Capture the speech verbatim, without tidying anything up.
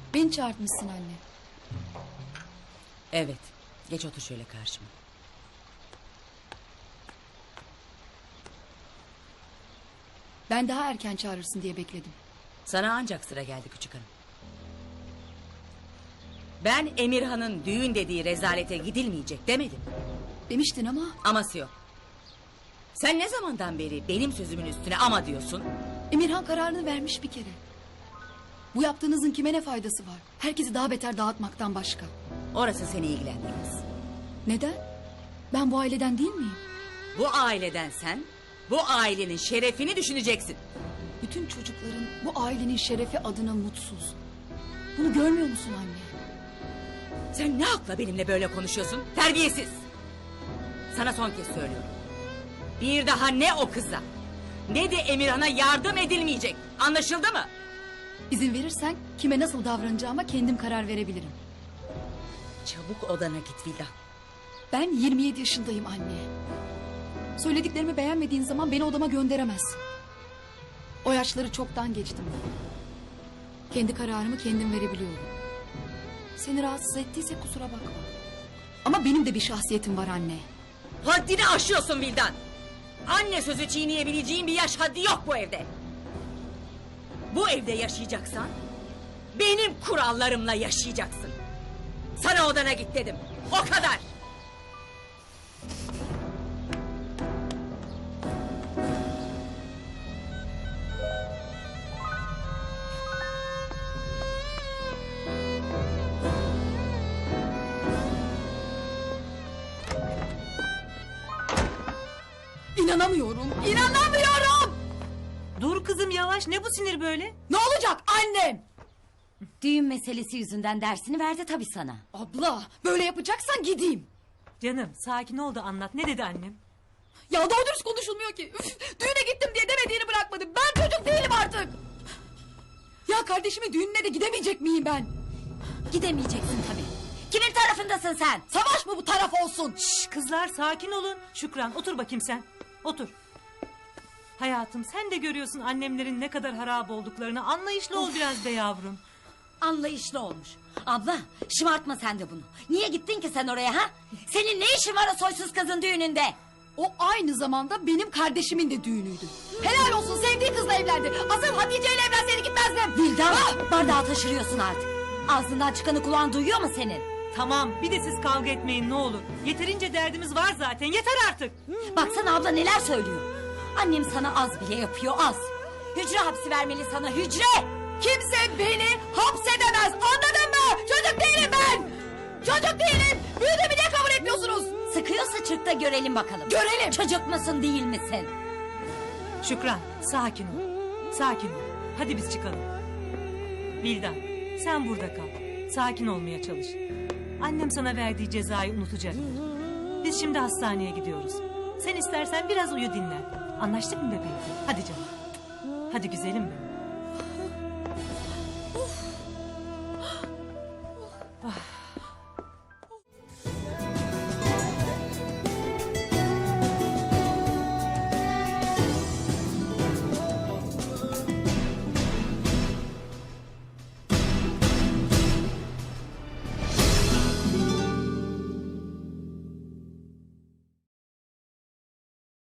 Beni çağırtmışsın anne. Evet. Geç otur şöyle karşıma. Ben daha erken çağırırsın diye bekledim. Sana ancak sıra geldi küçük hanım. Ben Emirhan'ın düğün dediği rezalete gidilmeyecek demedim. Demiştin ama Aması yok. Sen ne zamandan beri benim sözümün üstüne ama diyorsun? Emirhan kararını vermiş bir kere. Bu yaptığınızın kime ne faydası var? Herkesi daha beter dağıtmaktan başka. Orası seni ilgilendirmez. Neden? Ben bu aileden değil miyim? Bu aileden sen, bu ailenin şerefini düşüneceksin. Bütün çocukların bu ailenin şerefi adına mutsuz. Bunu görmüyor musun anne? Sen ne hakla benimle böyle konuşuyorsun? Terbiyesiz. Sana son kez söylüyorum. Bir daha ne o kıza ne de Emirhan'a yardım edilmeyecek. Anlaşıldı mı? İzin verirsen kime nasıl davranacağıma kendim karar verebilirim. Çabuk odana git Vildan. Ben yirmi yedi yaşındayım anne. Söylediklerimi beğenmediğin zaman beni odama gönderemezsin. O yaşları çoktan geçtim. Kendi kararımı kendim verebiliyorum. Seni rahatsız ettiyse kusura bakma. Ama benim de bir şahsiyetim var anne. Haddini aşıyorsun Vildan. Anne sözü çiğneyebileceğin bir yaş haddi yok bu evde. Bu evde yaşayacaksan benim kurallarımla yaşayacaksın. Sana odana git dedim. O kadar. İnanamıyorum, inanamıyorum! Dur kızım yavaş, ne bu sinir böyle? Ne olacak annem? Düğün meselesi yüzünden dersini verdi tabii sana. Abla, böyle yapacaksan gideyim. Canım sakin ol da anlat, ne dedi annem? Ya doğru dürüst konuşulmuyor ki. Üf, düğüne gittim diye demediğini bırakmadım. Ben çocuk değilim artık. Ya kardeşimin düğününe de gidemeyecek miyim ben? Gidemeyeceksin tabii. Kimin tarafındasın sen? Savaş mı bu taraf olsun? Şşş kızlar sakin olun. Şükran otur bakayım sen. Otur. Hayatım sen de görüyorsun annemlerin ne kadar harap olduklarını. Anlayışlı ol biraz be yavrum. Anlayışlı olmuş. Abla şımartma sen de bunu. Niye gittin ki sen oraya ha? Senin ne işin var o soysuz kızın düğününde? O aynı zamanda benim kardeşimin de düğünüydü. Helal olsun, sevdiği kızla evlendi. Asıl Hatice ile evlenseydi gitmezdim. Vildan Ah! bardağı taşırıyorsun artık. Ağzından çıkanı kulağın duyuyor mu senin? Tamam bir de siz kavga etmeyin ne olur. Yeterince derdimiz var zaten, yeter artık. Baksana abla neler söylüyor. Annem sana az bile yapıyor az. Hücre hapsi vermeli sana hücre. Kimse beni hapsedemez, anladın mı? Çocuk değilim ben. Çocuk değilim. Büyüdüğümü niye kabul etmiyorsunuz? Sıkıyorsa çık da görelim bakalım. Görelim. Çocuk musun değil misin? Şükran sakin ol. Sakin ol. Hadi biz çıkalım. Vildan sen burada kal. Sakin olmaya çalış. Annem sana verdiği cezayı unutacak. Biz şimdi hastaneye gidiyoruz. Sen istersen biraz uyu dinlen. Anlaştık mı bebeğim? Hadi canım. Hadi güzelim benim.